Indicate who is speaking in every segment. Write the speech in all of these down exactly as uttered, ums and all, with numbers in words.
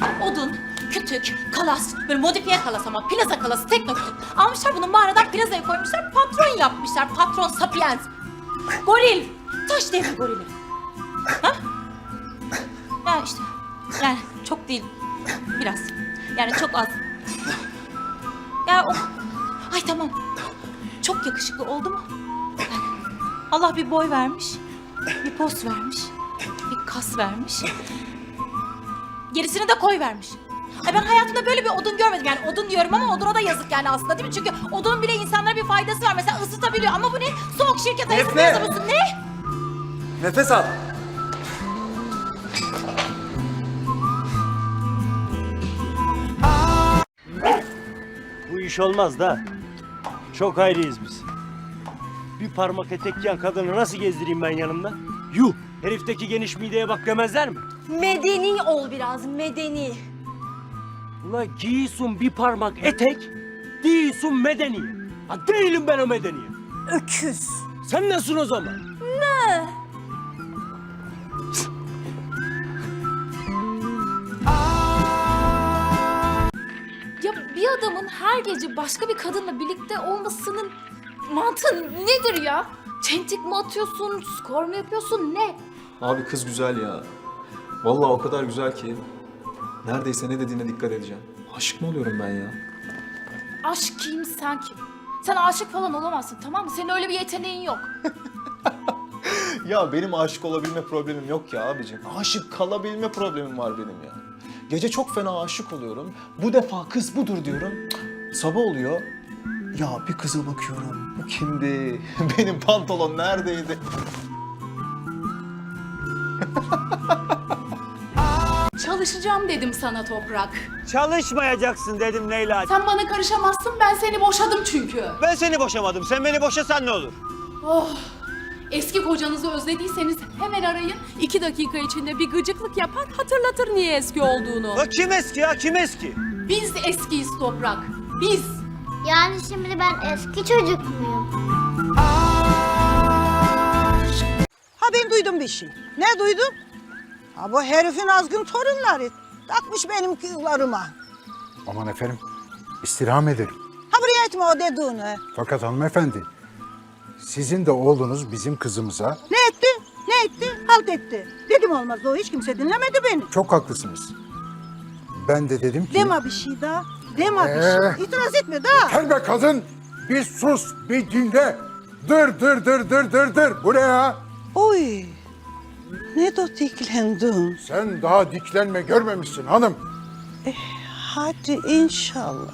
Speaker 1: Odun, kütük, kalas, böyle modifiye kalas ama plaza kalası, tekno kütük. Almışlar bunu mağaradan plazaya koymuşlar, patron yapmışlar. Patron sapiens. Goril. Taş devri gorili. Ha? Ya işte, yani çok değil, biraz. Yani çok az. Ya o... Ay tamam. Çok yakışıklı oldu mu? Yani Allah bir boy vermiş, bir poz vermiş, bir kas vermiş. Gerisini de koy vermiş. Ay ben hayatımda böyle bir odun görmedim. Yani odun diyorum ama oduna da yazık yani aslında değil mi? Çünkü odunun bile insanlara bir faydası var. Mesela ısıtabiliyor ama bu ne? Soğuk şirket ayısı
Speaker 2: Efe!
Speaker 1: mısın? Ne?
Speaker 2: Nefes al.
Speaker 3: Bu iş olmaz da. Çok ayrıyız biz. Bir parmak etek giyen kadını nasıl gezdireyim ben yanımda? Yuh! Herifteki geniş mideye bak demezler mi?
Speaker 4: Medeni ol biraz, medeni.
Speaker 3: Ula giyiyorsun bir parmak etek, değilsin medeni. Ha değilim ben o medeni.
Speaker 4: Öküz.
Speaker 3: Sen nasılsın o zaman?
Speaker 1: Ya bir adamın her gece başka bir kadınla birlikte olmasının mantığı nedir ya? Çentik mi atıyorsun, skor mu yapıyorsun, ne?
Speaker 2: Abi kız güzel ya. Vallahi o kadar güzel ki. Neredeyse ne dediğine dikkat edeceğim. Aşık mı oluyorum ben ya?
Speaker 1: Aşk kim, sen kim? Sen aşık falan olamazsın, tamam mı? Senin öyle bir yeteneğin yok.
Speaker 2: Ya benim aşık olabilme problemim yok ya abicim. Aşık kalabilme problemim var benim ya. Gece çok fena aşık oluyorum. Bu defa kız budur diyorum. Cık, sabah oluyor. Ya bir kıza bakıyorum. Bu kimdi? Benim pantolon neredeydi?
Speaker 1: Çalışacağım dedim sana Toprak.
Speaker 3: Çalışmayacaksın dedim Leyla.
Speaker 1: Sen bana karışamazsın, ben seni boşadım çünkü.
Speaker 3: Ben seni boşamadım. Sen beni boşasan ne olur?
Speaker 1: Oh! Eski kocanızı özlediyseniz hemen arayın. İki dakika içinde bir gıcıklık yapar, hatırlatır niye eski olduğunu.
Speaker 3: O kim eski ya? Kim eski?
Speaker 1: Biz eskiyiz Toprak, biz.
Speaker 5: Yani şimdi ben eski çocuk muyum?
Speaker 6: Ha ben duydum bir şey. Ne duydum? Ha bu herifin azgın torunları takmış benim kızlarıma.
Speaker 7: Aman efendim, istirham ederim.
Speaker 6: Ha buraya etme o dediğini.
Speaker 7: Fakat hanımefendi, sizin de oğlunuz bizim kızımıza
Speaker 6: Ne etti? Ne etti? Halt etti. Dedim olmaz o hiç kimse dinlemedi beni.
Speaker 7: çok haklısınız. Ben de dedim ki...
Speaker 6: Deme bir şey daha. Deme bir
Speaker 7: Ee?
Speaker 6: şey. İtiraz etme daha.
Speaker 7: Gel be kadın, bir sus, bir dinle. Dır dır dır dır dır dır. Bu ne ya?
Speaker 6: Oy. Ne de diklendin.
Speaker 7: Sen daha diklenme görmemişsin hanım.
Speaker 6: Hadi inşallah.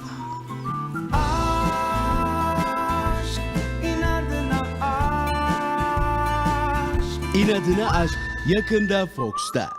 Speaker 8: İnadına Aşk yakında Fox'ta.